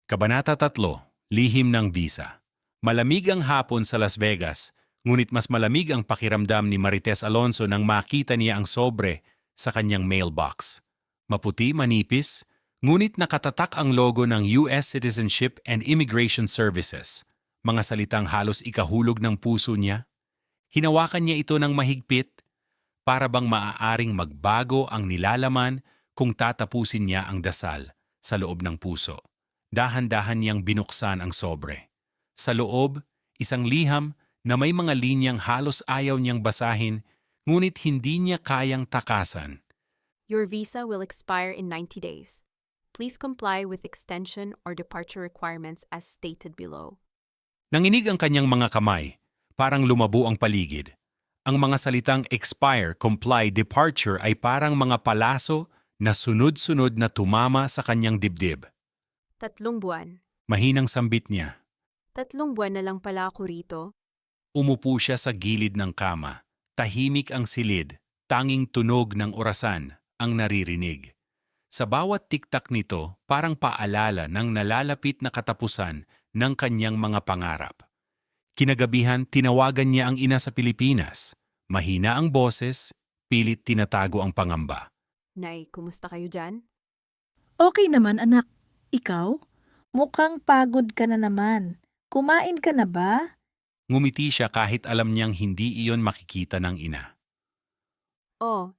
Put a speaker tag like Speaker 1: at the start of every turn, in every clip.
Speaker 1: Kabanata 3, Lihim ng Visa. Malamig ang hapon sa Las Vegas, ngunit mas malamig ang pakiramdam ni Marites Alonso nang makita niya ang sobre sa kanyang mailbox. Maputi, manipis, ngunit nakatatak ang logo ng US Citizenship and Immigration Services. Mga salitang halos ikahulog ng puso niya. Hinawakan niya ito ng mahigpit para bang maaaring magbago ang nilalaman kung tatapusin niya ang dasal sa loob ng puso. Dahan-dahan niyang binuksan ang sobre. Sa loob, isang liham na may mga linyang halos ayaw niyang basahin, ngunit hindi niya kayang takasan.
Speaker 2: Your visa will expire in 90 days. Please comply with extension or departure requirements as stated below.
Speaker 1: Nanginig ang kanyang mga kamay, parang lumabo ang paligid. Ang mga salitang expire, comply, departure ay parang mga palaso na sunod-sunod na tumama sa kanyang dibdib.
Speaker 2: 3 buwan.
Speaker 1: Mahinang sambit niya.
Speaker 2: 3 buwan na lang pala ako rito.
Speaker 1: Umupo siya sa gilid ng kama. Tahimik ang silid, tanging tunog ng orasan ang naririnig. Sa bawat tiktak nito, parang paalala ng nalalapit na katapusan ng kanyang mga pangarap. Kinagabihan, tinawagan niya ang ina sa Pilipinas. Mahina ang boses, pilit tinatago ang pangamba.
Speaker 2: Nay, kumusta kayo dyan?
Speaker 3: Okay naman, anak. Ikaw? Mukhang pagod ka na naman. Kumain ka na ba?
Speaker 1: Ngumiti siya kahit alam niyang hindi iyon makikita ng ina.
Speaker 2: Oh,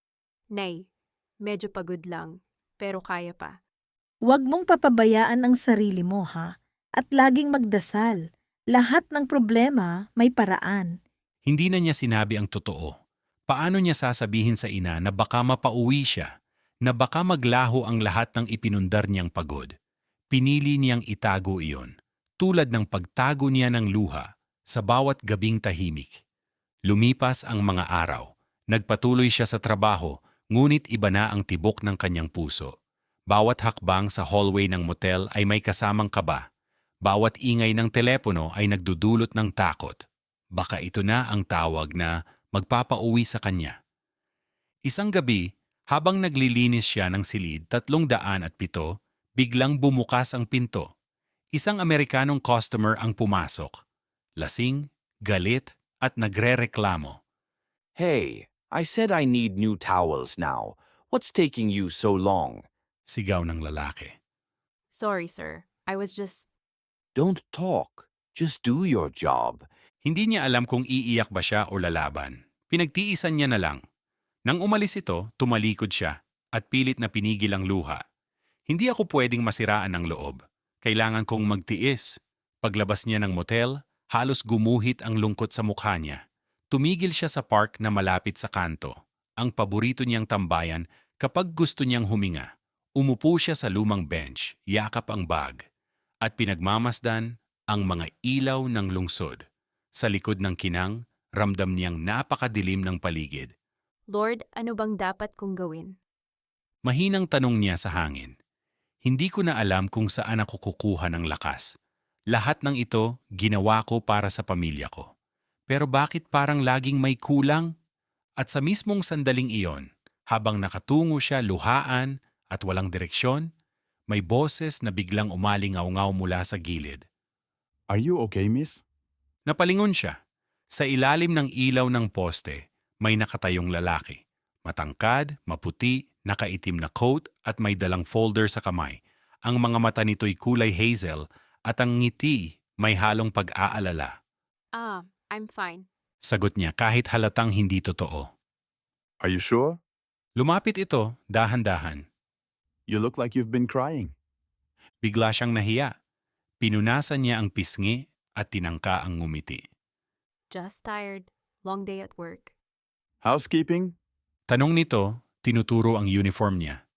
Speaker 2: Nay, medyo pagod lang, pero kaya pa.
Speaker 3: Huwag mong papabayaan ang sarili mo, ha? At laging magdasal. Lahat ng problema may paraan.
Speaker 1: Hindi na niya sinabi ang totoo. Paano niya sasabihin sa ina na baka mapauwi siya, na baka maglaho ang lahat ng ipinundar niyang pagod? Pinili niyang itago iyon, tulad ng pagtago niya ng luha sa bawat gabing tahimik. Lumipas ang mga araw. Nagpatuloy siya sa trabaho, ngunit iba na ang tibok ng kanyang puso. Bawat hakbang sa hallway ng motel ay may kasamang kaba. Bawat ingay ng telepono ay nagdudulot ng takot. Baka ito na ang tawag na magpapauwi sa kanya. Isang gabi, habang naglilinis siya ng silid 307, biglang bumukas ang pinto. Isang Amerikanong customer ang pumasok. Lasing, galit, at nagrereklamo.
Speaker 4: Hey, I said I need new towels now. What's taking you so long?
Speaker 1: Sigaw ng lalaki.
Speaker 2: Sorry, sir. I was just...
Speaker 4: Don't talk. Just do your job.
Speaker 1: Hindi niya alam kung iiyak ba siya o lalaban. Pinagtiisan niya na lang. Nang umalis ito, tumalikod siya at pilit na pinigil ang luha. Hindi ako pwedeng masiraan ng loob. Kailangan kong magtiis. Paglabas niya ng motel, halos gumuhit ang lungkot sa mukha niya. Tumigil siya sa park na malapit sa kanto, ang paborito niyang tambayan kapag gusto niyang huminga. Umupo siya sa lumang bench, yakap ang bag, at pinagmamasdan ang mga ilaw ng lungsod. Sa likod ng kinang, ramdam niyang napakadilim ng paligid.
Speaker 2: Lord, ano bang dapat kong gawin?
Speaker 1: Mahinang tanong niya sa hangin. Hindi ko na alam kung saan ako kukuha ng lakas. Lahat ng ito ginawa ko para sa pamilya ko. Pero bakit parang laging may kulang? At sa mismong sandaling iyon, habang nakatungo siya luhaan at walang direksyon, may boses na biglang umalingaw-ngaw mula sa gilid.
Speaker 5: Are you okay, miss?
Speaker 1: Napalingon siya. Sa ilalim ng ilaw ng poste, may nakatayong lalaki. Matangkad, maputi, nakaitim na coat at may dalang folder sa kamay. Ang mga mata nito'y kulay hazel at ang ngiti may halong pag-aalala.
Speaker 2: I'm fine.
Speaker 1: Sagot niya kahit halatang hindi totoo.
Speaker 5: Are you sure?
Speaker 1: Lumapit ito, dahan-dahan.
Speaker 5: You look like you've been crying.
Speaker 1: Bigla siyang nahiya. Pinunasan niya ang pisngi at tinangka ang ngumiti.
Speaker 2: Just tired. Long day at work.
Speaker 5: Housekeeping?
Speaker 1: Tanong nito, tinuturo ang uniform niya.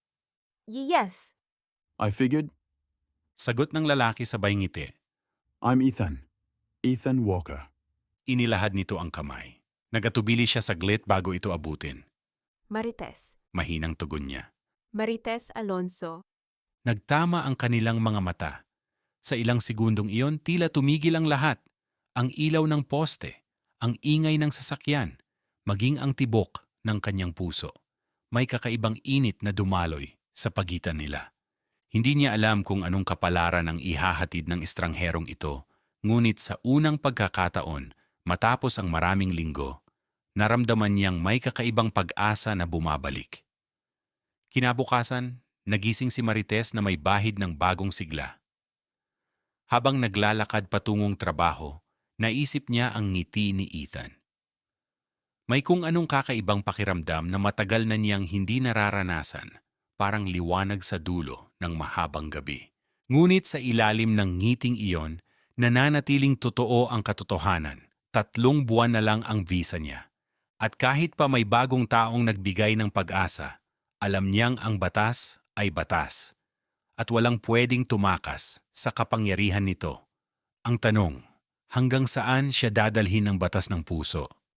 Speaker 2: Yes.
Speaker 5: I figured.
Speaker 1: Sagot ng lalaki sabay ngiti.
Speaker 5: I'm Ethan. Ethan Walker.
Speaker 1: Inilahad nito ang kamay. Nagatubili siya saglit bago ito abutin.
Speaker 2: Marites.
Speaker 1: Mahinang tugon niya.
Speaker 2: Marites Alonso.
Speaker 1: Nagtama ang kanilang mga mata. Sa ilang segundong iyon, tila tumigil ang lahat. Ang ilaw ng poste, ang ingay ng sasakyan, maging ang tibok ng kanyang puso. May kakaibang init na dumaloy sa pagitan nila. Hindi niya alam kung anong kapalaran ang ihahatid ng estrangherong ito, ngunit sa unang pagkakataon, matapos ang maraming linggo, naramdaman niyang may kakaibang pag-asa na bumabalik. Kinabukasan, nagising si Marites na may bahid ng bagong sigla. Habang naglalakad patungong trabaho, naisip niya ang ngiti ni Ethan. May kung anong kakaibang pakiramdam na matagal na niyang hindi nararanasan, parang liwanag sa dulo ng mahabang gabi. Ngunit sa ilalim ng ngiting iyon, nananatiling totoo ang katotohanan. 3 buwan na lang ang visa niya. At kahit pa may bagong taong nagbigay ng pag-asa, alam niyang ang batas ay batas. At walang pwedeng tumakas sa kapangyarihan nito. Ang tanong, hanggang saan siya dadalhin ng batas ng puso?